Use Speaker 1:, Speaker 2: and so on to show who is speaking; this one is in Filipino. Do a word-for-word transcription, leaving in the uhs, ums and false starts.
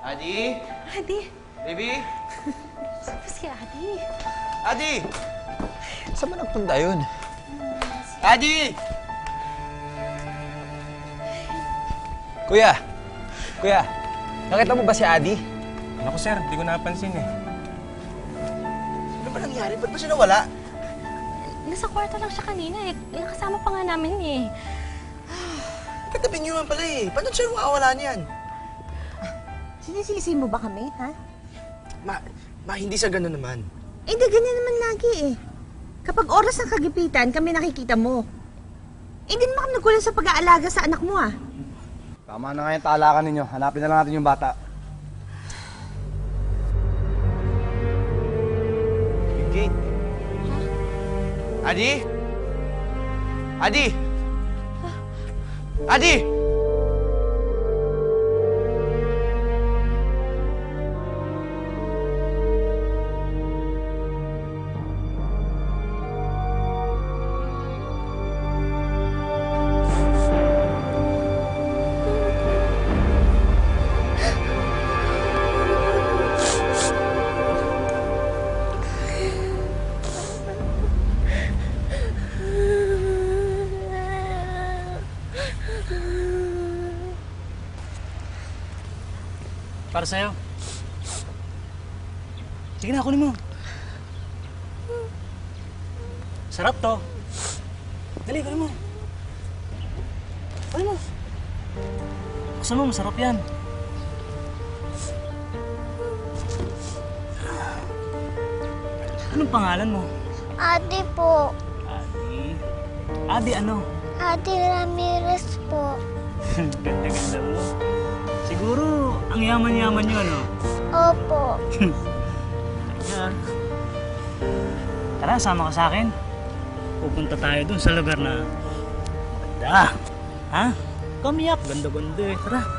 Speaker 1: Adi?
Speaker 2: Adi?
Speaker 1: Baby?
Speaker 2: Saan ba si Adi?
Speaker 1: Adi!
Speaker 3: Saan ba nagpunta yun?
Speaker 1: Adi!
Speaker 3: Kuya! Kuya! Nakita mo ba si Adi?
Speaker 4: Naku sir, di ko napansin eh.
Speaker 1: Ano ba nangyari? Ba't ba siya nawala?
Speaker 2: Nasa kwarto lang siya kanina eh. Nakasama pa nga namin eh.
Speaker 1: Katabi niyo naman pala eh. Paano siya makawala niyan?
Speaker 5: Sinisisi mo ba kami, ha?
Speaker 1: Ma, ma, hindi sa gano'n naman.
Speaker 5: Eh, di ganyan naman lagi eh. Kapag oras ng kagipitan, kami nakikita mo. Eh, di naman kami nagkulang sa pag-aalaga sa anak mo, ah.
Speaker 6: Tama na nga yung talakan ninyo. Hanapin na lang natin yung bata.
Speaker 1: Yung gate. Adi? Adi? Adi!
Speaker 4: Para sa'yo. Sige na, kunin mo. Sarap to. Dali, kunin mo. Kunin mo. Buksan mo, masarap yan. Anong pangalan mo?
Speaker 7: Ate po.
Speaker 4: Adi. Adi ano?
Speaker 7: Ate Ramirez po.
Speaker 4: Ganda-ganda mo. Siguro, ang yaman-yaman nyo, ano?
Speaker 7: Opo.
Speaker 4: Yan. Tara, sama ka sa akin. Pupunta tayo dun sa lugar na maganda. Ha? Kamiyak, ganda-ganda eh. Tara.